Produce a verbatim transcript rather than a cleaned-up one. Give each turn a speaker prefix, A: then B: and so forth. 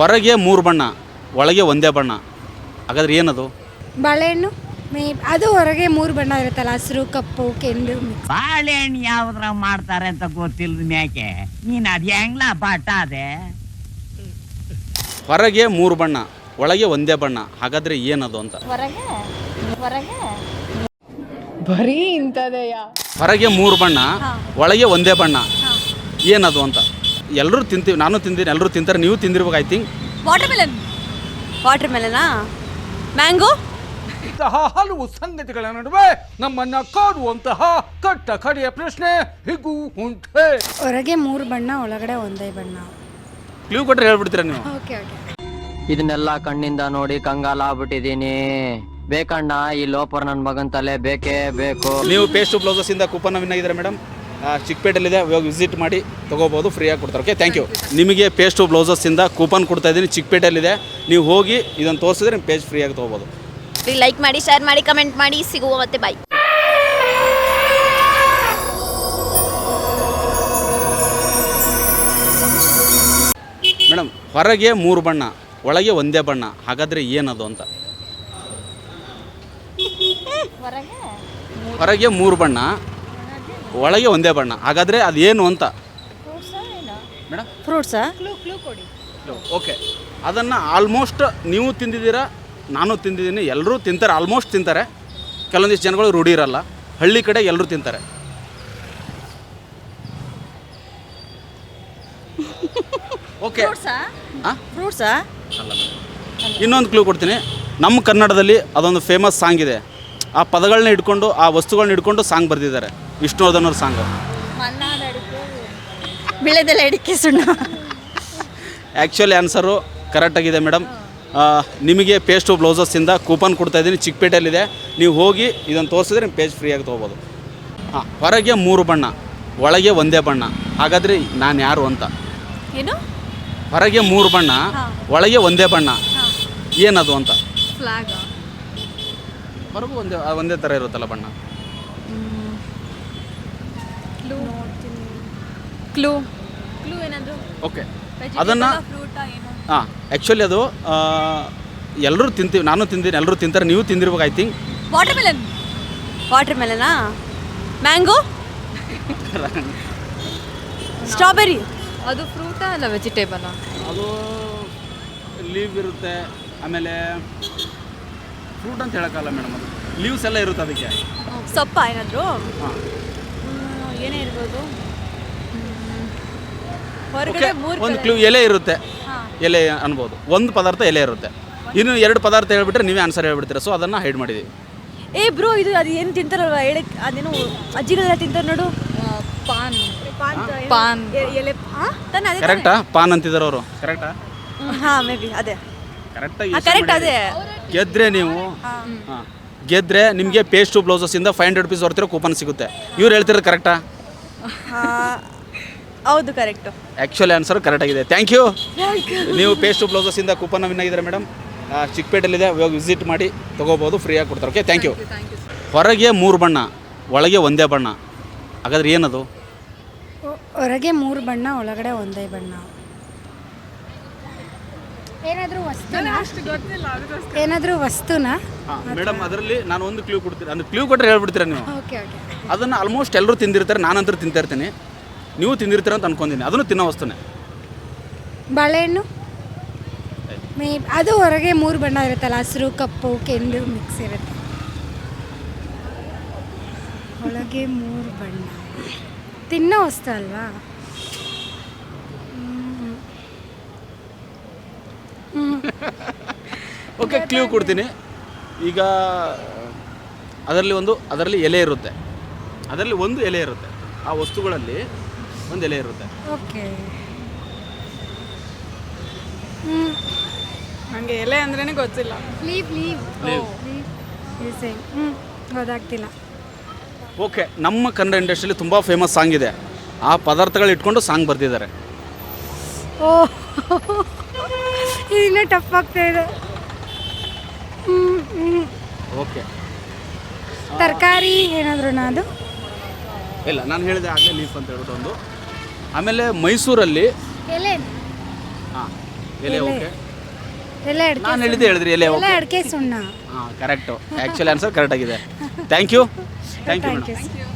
A: ಹೊರಗೆ ಮೂರು ಬಣ್ಣ ಒಳಗೆ ಒಂದೇ ಬಣ್ಣ, ಹಾಗಾದ್ರೆ ಏನದು?
B: ಬಾಳೆಹಣ್ಣು ಮೇ ಅದು ಹೊರಗೆ ಮೂರು ಬಣ್ಣ ಇರುತ್ತಲ್ಲ, ಹಸಿರು ಕಪ್ಪು ಕೆಂದು.
C: ಬಾಳೆಹಣ್ಣು ಯಾವ್ದ್ರಾಗ ಮಾಡ್ತಾರೆ ಅಂತ ಗೊತ್ತಿಲ್ಲದ ಮ್ಯಾಕೆ ನೀನ್ ಅದ್ ಹೆಂಗ್ಲ ಬಾಟ ಅದೇ.
A: ಹೊರಗೆ ಮೂರು ಬಣ್ಣ ಒಳಗೆ ಒಂದೇ ಬಣ್ಣ, ಹಾಗಾದ್ರೆ ಏನದು ಅಂತ?
B: ಹೊರಗೆ ಹೊರಗೆ
D: ಬರೀ ಇಂಥದೆಯ.
A: ಹೊರಗೆ ಮೂರು ಬಣ್ಣ ಒಳಗೆ ಒಂದೇ ಬಣ್ಣ, ಏನದು ಅಂತ? ಎಲ್ಲರೂ ತಿಂತೀವಿ, ನಾನು ತಿಂತೀನಿ, ಎಲ್ಲರೂ ತಿಂತಾರೆ, ನೀವು ತಿಂದಿರ್ಬೇಕು ಐ ಥಿಂಕ್.
E: Watermelon. ವಾಟರ್ ಮೆಲನಾ? ಮ್ಯಾಂಗೋ.
F: ಇಂತಹ ಹಲವು ಸಂಗತಿಗಳ ನಡುವೆ ನಮ್ಮನ್ನ ಕಾಡುವಂತಹ ಕಟ್ಟ ಕಡೆಯ ಪ್ರಶ್ನೆ ಹೀಗೂ ಉಂಟೆ.
B: ಹೊರಗೆ ಮೂರು ಬಣ್ಣ ಒಳಗಡೆ ಒಂದೇ ಬಣ್ಣ.
A: ಕ್ಲೂ ಕೊಟ್ಟರೆ ಹೇಳ್ಬಿಡ್ತೀರಾ ನೀವು?
B: Okay okay.
G: ಇದನ್ನೆಲ್ಲ ಕಣ್ಣಿಂದ ನೋಡಿ ಕಂಗಾಲ ಆಗ್ಬಿಟ್ಟಿದೀನಿ. ಬೇಕಣ್ಣ ಈ ಲೋಪರ್ ನನ್ನ ಮಗನ್ ತಲೆ ಬೇಕೇ ಬೇಕು.
A: ನೀವು ಪೇಸ್ಟು ಬ್ಲೌಸಸ್ ಇಂದ ಕೂಪನ್ ವಿನ್ ಆಗಿದ್ದಾರೆ ಮೇಡಮ್. ಚಿಕ್ಕಪೇಟೆಲ್ಲಿದೆ, ಇವಾಗ ವಿಸಿಟ್ ಮಾಡಿ ತೊಗೋಬೋದು, ಫ್ರೀಯಾಗಿ ಕೊಡ್ತಾರೆ. Okay, thank you. ನಿಮಗೆ ಪೇಸ್ಟು ಬ್ಲೌಸಸ್ ಇಂದ ಕೂಪನ್ ಕೊಡ್ತಾ ಇದ್ದೀನಿ, ಚಿಕ್ಕಪೇಟೆಲ್ಲಿದೆ. ನೀವು ಹೋಗಿ ಇದನ್ನು ತೋರಿಸಿದ್ರೆ ನಿಮ್ಮ ಪೇಜ್ ಫ್ರೀಯಾಗಿ ತೊಗೋಬೋದು.
E: ಲೈಕ್ ಮಾಡಿ, ಶೇರ್ ಮಾಡಿ, ಕಮೆಂಟ್ ಮಾಡಿ. ಸಿಗುವ ಮತ್ತೆ ಬಾಯ್.
A: ಮೇಡಮ್, ಹೊರಗೆ ಮೂರು ಬಣ್ಣ ಒಳಗೆ ಒಂದೇ ಬಣ್ಣ, ಹಾಗಾದರೆ ಏನದು ಅಂತ? ಹೊರಗೆ ಮೂರು ಬಣ್ಣ ಒಳಗೆ ಒಂದೇ ಬಣ್ಣ, ಹಾಗಾದರೆ ಅದೇನು ಅಂತ ಮೇಡಮ್?
E: ಫ್ರೂಟ್ಸಾ?
A: ಓಕೆ, ಅದನ್ನು ಆಲ್ಮೋಸ್ಟ್ ನೀವು ತಿಂದಿದ್ದೀರಾ, ನಾನು ತಿಂದಿದ್ದೀನಿ, ಎಲ್ಲರೂ ತಿಂತಾರೆ, ಆಲ್ಮೋಸ್ಟ್ ತಿಂತಾರೆ. ಕೆಲವೊಂದಿಷ್ಟು ಜನಗಳು ರೂಢಿ ಇರಲ್ಲ, ಹಳ್ಳಿ ಕಡೆ ಎಲ್ಲರೂ ತಿಂತಾರೆ. ಓಕೆ, ಹಾಂ,
E: ಫ್ರೂಟ್ಸಾ?
A: ಇನ್ನೊಂದು ಕ್ಲೂ ಕೊಡ್ತೀನಿ. ನಮ್ಮ ಕನ್ನಡದಲ್ಲಿ ಅದೊಂದು ಫೇಮಸ್ ಸಾಂಗ್ ಇದೆ, ಆ ಪದಗಳನ್ನ ಹಿಡ್ಕೊಂಡು, ಆ ವಸ್ತುಗಳನ್ನ ಹಿಡ್ಕೊಂಡು ಸಾಂಗ್ ಬರೆದಿದ್ದಾರೆ, ವಿಷ್ಣುವರ್ಧನ್ ಅವ್ರ ಸಾಂಗು.
E: ಬೆಳೆದೆಲ್ಲ ಅಡಿಕೆ ಸುಣ್ಣ.
A: ಆ್ಯಕ್ಚುಲಿ ಆನ್ಸರು ಕರೆಕ್ಟಾಗಿದೆ ಮೇಡಮ್. ನಿಮಗೆ ಪೇಸ್ಟು ಬ್ಲೌಸಸ್ಸಿಂದ ಕೂಪನ್ ಕೊಡ್ತಾಯಿದ್ದೀನಿ, ಚಿಕ್ಕಪೇಟೆಯಲ್ಲಿದೆ. ನೀವು ಹೋಗಿ ಇದನ್ನು ತೋರಿಸಿದ್ರೆ ನಿಮ್ಮ ಪೇಜ್ ಫ್ರೀಯಾಗಿ ತೊಗೋಬೋದು. ಹಾಂ, ಹೊರಗೆ ಮೂರು ಬಣ್ಣ ಒಳಗೆ ಒಂದೇ ಬಣ್ಣ, ಹಾಗಾದರೆ ನಾನು ಯಾರು ಅಂತ?
E: ಏನು?
A: ಹೊರಗೆ ಮೂರು ಬಣ್ಣ ಒಳಗೆ ಒಂದೇ ಬಣ್ಣ, ಏನದು ಅಂತ?
E: ಫ್ಲಾಗ್.
A: ಹೊರಗೂ ಒಂದೇ ಒಂದೇ ಥರ ಇರುತ್ತಲ್ಲ ಬಣ್ಣ.
E: ಕ್ಲೂ ಕ್ಲೂ ಏನಾದರೂ?
A: ಓಕೆ, ಅದನ್ನು ಹಾಂ, ಆ್ಯಕ್ಚುಲಿ ಅದು ಎಲ್ಲರೂ ತಿಂತೀವಿ, ನಾನು ತಿಂತೀನಿ, ಎಲ್ಲರೂ ತಿಂತಾರೆ, ನೀವು ತಿಂದಿರ್ಬೇಕು ಐ ಥಿಂಕ್.
E: Watermelon. ವಾಟರ್ ಮೆಲನಾ? ಮ್ಯಾಂಗೋ. ಸ್ಟ್ರಾಬೆರಿ.
D: ಅದು ಫ್ರೂಟಾ ಅಲ್ಲ ವೆಜಿಟೇಬಲಾ?
A: ಅದು ಲೀವ್ ಇರುತ್ತೆ, ಆಮೇಲೆ ಫ್ರೂಟ್ ಅಂತ ಹೇಳೋಕ್ಕಲ್ಲ ಮೇಡಮ್, ಅದು ಲೀವ್ಸ್ ಎಲ್ಲ ಇರುತ್ತೆ ಅದಕ್ಕೆ.
E: ಸೊಪ್ಪ ಏನಾದರೂ?
A: ಹಾಂ,
E: ಏನೇ ಇರ್ಬೋದು.
A: ಓಕೆ,
E: ಹೊರಗಡೆ ಮೂರು
A: ಒಂದು ಕ್ಲೂ ಎಲೆ ಇರುತ್ತೆ, ಎಲೆ ಅನ್ಬೋದು. ಒಂದು ಪದಾರ್ಥ ಎಲೆ ಇರುತ್ತೆ, ಇನ್ನು ಎರಡು ಪದಾರ್ಥ ಹೇಳ್ಬಿಟ್ರೆ ನೀವೇ ಆನ್ಸರ್ ಹೇಳ್ಬಿಡ್ತೀರ, ಸೊ ಅದನ್ನು ಹೈಡ್ ಮಾಡಿದ್ದೀವಿ.
E: ಏ ಬ್ರೋ, ಇದು ಅದು ಏನು ತಿಂತಾರಲ್ವ, ಎಳೆ, ಅದೇನು ಅಜ್ಜಿಗಳೆಲ್ಲ ತಿಂತಾರೆ ನೋಡು.
D: ಪಾನ್.
E: ಪಾನ್.
D: ಪಾನ್.
E: ಎಲೆ. ಹಾಂ, ತಾನೆ ಅದೇ.
A: ಕರೆಕ್ಟಾ? ಪಾನ್ ಅಂತಿದ್ದಾರೆ ಅವರು. ಕರೆಕ್ಟಾ?
E: ಹಾಂ, ಮೇ ಬಿ ಅದೇ.
A: ಕರೆಕ್ಟಾಗಿ
E: ಕರೆಕ್ಟ್ ಅದೇ.
A: ಗೆದ್ರೆ ನೀವು, ಹಾಂ, ಗೆದ್ರೆ ನಿಮಗೆ ಪೇಸ್ಟು ಬ್ಲೌಸಸ್ಸಿಂದ ಫೈವ್ ಹಂಡ್ರೆಡ್ ರುಪೀಸ್ ಬರ್ತಿರೋ ಕೂಪನ್ ಸಿಗುತ್ತೆ. ಇವ್ರು ಹೇಳ್ತಿರೋದು ಕರೆಕ್ಟಾ?
E: ಹೌದು, ಕರೆಕ್ಟು.
A: ಆ್ಯಕ್ಚುಲಿ ಆನ್ಸರ್ ಕರೆಕ್ಟಾಗಿದೆ, ಥ್ಯಾಂಕ್ ಯು. ನೀವು ಪೇಸ್ಟು ಬ್ಲೌಸಸ್ಸಿಂದ ಕೂಪನ್ ವಿನ್ ಆಗಿದ್ದಾರೆ ಮೇಡಮ್. ಚಿಕ್ಕಪೇಟೆಲ್ಲಿದೆ, ಇವಾಗ ವಿಸಿಟ್ ಮಾಡಿ ತೊಗೋಬೋದು, ಫ್ರೀಯಾಗಿ ಕೊಡ್ತಾರೆ. Okay, thank you. ಹೊರಗೆ ಮೂರು ಬಣ್ಣ ಒಳಗೆ ಒಂದೇ ಬಣ್ಣ, ಹಾಗಾದ್ರೆ ಏನದು?
B: ಹೊರಗೆ ಮೂರು ಬಣ್ಣ ಒಳಗಡೆ ಒಂದೇ ಬಣ್ಣ. ಏನಾದರೂ ವಸ್ತುನಾ? ಏನಾದರೂ ವಸ್ತುನಾ?
A: ಹಾಂ ಮೇಡಮ್, ಅದರಲ್ಲಿ ನಾನು ಒಂದು ಕ್ಲೂ ಕೊಡ್ತೀನಿ, ಅಂದ್ರೆ ಕ್ಲೂ ಕೊಟ್ಟರೆ ಹೇಳ್ಬಿಡ್ತೀರಾ ನೀವು?
B: Okay okay.
A: ಅದನ್ನು ಆಲ್ಮೋಸ್ಟ್ ಎಲ್ಲರೂ ತಿಂದಿರ್ತಾರೆ, ನಾನಂತೂ ತಿಂತಾ ಇರ್ತೀನಿ, ನೀವು ತಿಂದಿರ್ತೀರ ಅಂತ ಅನ್ಕೊಂತೀನಿ. ಅದನ್ನು ತಿನ್ನೋ ವಸ್ತುನೇ.
B: ಬಾಳೆಹಣ್ಣು ಮೇ ಅದು ಹೊರಗೆ ಮೂರು ಬಣ್ಣ ಇರುತ್ತಲ್ಲ, ಹಸಿರು ಕಪ್ಪು ಕೆಂದು ಮಿಕ್ಸ್ ಇರುತ್ತೆ. ಒಳಗೆ ಮೂರು ಬಣ್ಣ ತಿನ್ನೋ ವಸ್ತು ಅಲ್ವಾ?
A: ಓಕೆ, ಕ್ಲೂ ಕೊಡ್ತೀನಿ. ಈಗ ಅದರಲ್ಲಿ ಒಂದು ಅದರಲ್ಲಿ ಎಲೆ ಇರುತ್ತೆ, ಅದರಲ್ಲಿ ಒಂದು ಎಲೆ ಇರುತ್ತೆ, ಆ ವಸ್ತುಗಳಲ್ಲಿ ಒಂದು ಎಲೆ ಇರುತ್ತೆ.
B: ಓಕೆ.
D: ನನಗೆ ಎಲೆ ಅಂದ್ರೇ ಗೊತ್ತಿಲ್ಲ.
B: Leave leave
A: leave.
B: ಹ್ಞೂ ಗೊತ್ತಾಗ್ತಿಲ್ಲ.
A: ಓಕೆ, ನಮ್ಮ ಕನ್ನಡ ಇಂಡಸ್ಟ್ರಿಯಲ್ಲಿ ತುಂಬ ಫೇಮಸ್ ಸಾಂಗ್ ಇದೆ, ಆ ಪದಾರ್ಥಗಳು ಇಟ್ಕೊಂಡು ಸಾಂಗ್ ಬರೆದಿದ್ದಾರೆ.
B: ಓ, ಇನ್ನೂ ಟಫ್ ಆಗ್ತಾ ಇದೆ.
A: ಓಕೆ,
B: ತರಕಾರಿ ಏನಾದರೂ ಅದು?
A: ಇಲ್ಲ, ನಾನು ಹೇಳಿದೆ ಆಗಲೇ ಲೀಫ್ ಅಂತ ಹೇಳ್ಬಿಟ್ಟು ಒಂದು. ಆಮೇಲೆ ಮೈಸೂರಲ್ಲಿ
B: ಎಲೆ.
A: ಹಾಂ, ಎಲೆ ಓಕೆ
B: ಎಲ್ಲ ಅಡಿಕೆ
A: ನಾನು ಹೇಳಿದ್ದೆ ಹೇಳಿದ್ರಿ ಎಲೆ
B: ಎಲ್ಲ
A: ಓಕೆ
B: ಅಡಿಕೆ ಸುಣ್ಣ
A: ಹಾಂ ಕರೆಕ್ಟು ಆ್ಯಕ್ಚುಲಿ ಆನ್ಸರ್ ಕರೆಕ್ಟ್ ಆಗಿದೆ thank you thank you
B: thank
A: madam
B: you